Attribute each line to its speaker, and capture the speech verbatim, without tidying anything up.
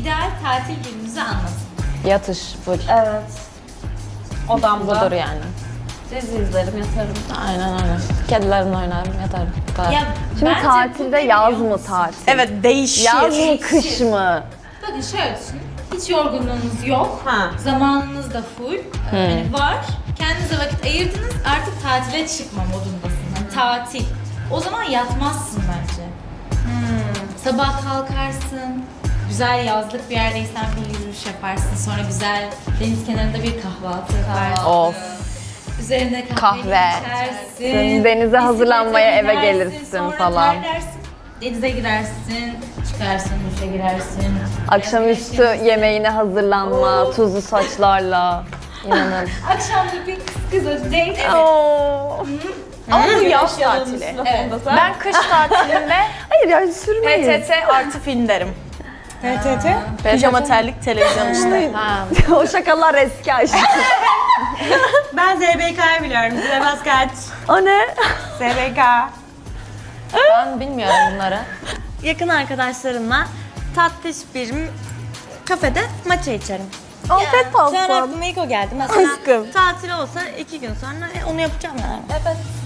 Speaker 1: ideal tatil gününüzü anlatın.
Speaker 2: Yatış full.
Speaker 3: Evet. Odamda.
Speaker 2: Budur yani.
Speaker 3: Dizi izlerim, yatarım.
Speaker 2: Aynen öyle. Kedilerimle oynarım, yatarım. Bu kadar.
Speaker 1: Ya,
Speaker 4: Şimdi
Speaker 1: bence bu
Speaker 4: tatilde
Speaker 1: ne
Speaker 4: yaz
Speaker 1: biliyor
Speaker 4: mı
Speaker 1: musun?
Speaker 4: tatil?
Speaker 3: Evet, değişir.
Speaker 4: Yaz mı kış mı?
Speaker 1: Bakın şöyle düşünün. Hiç yorgunluğunuz yok.
Speaker 3: Ha.
Speaker 1: Zamanınız da full. Yani var. Kendinize vakit ayırdınız. Artık tatile çıkma modundasın. Yani tatil. O zaman yatmazsın bence. Sabah kalkarsın. Güzel yazlık bir yerdeysen bir yürüyüş yaparsın. Sonra güzel deniz kenarında bir kahvaltı yaparsın.
Speaker 2: Of.
Speaker 1: Üzerine kahve,
Speaker 4: Kahve.
Speaker 1: içersin.
Speaker 4: Denize
Speaker 1: bisiklete
Speaker 4: hazırlanmaya eve
Speaker 1: binersin,
Speaker 4: gelirsin
Speaker 1: sonra
Speaker 4: falan.
Speaker 1: terlersin, denize girersin, çıkarsın, duşa girersin.
Speaker 4: Akşamüstü yemeğine hazırlanma, tuzlu saçlarla. İnanın.
Speaker 1: Akşam da bir kız kıza date.
Speaker 4: Oo.
Speaker 3: Ama bu yaz tatili.
Speaker 1: Evet.
Speaker 3: Ben kış tatilinde
Speaker 4: Hayır ya sürmeyiz.
Speaker 3: P T T artı film derim. P T T? Pijama terlik televizyon işte.
Speaker 2: Ha.
Speaker 4: O şakalar eski aşk.
Speaker 3: Ben Z B K'yı biliyorum. Zebaz kaç?
Speaker 4: O ne?
Speaker 3: Z B K.
Speaker 2: Ben bilmiyorum bunları.
Speaker 3: Yakın arkadaşlarımla tatlış bir kafede matcha içerim.
Speaker 4: Afiyet
Speaker 3: Şu an
Speaker 4: olsun.
Speaker 3: aklıma ilk o geldi. Mesela
Speaker 4: Aşkım.
Speaker 3: tatil olsa iki gün sonra e, onu yapacağım yani.
Speaker 1: Evet.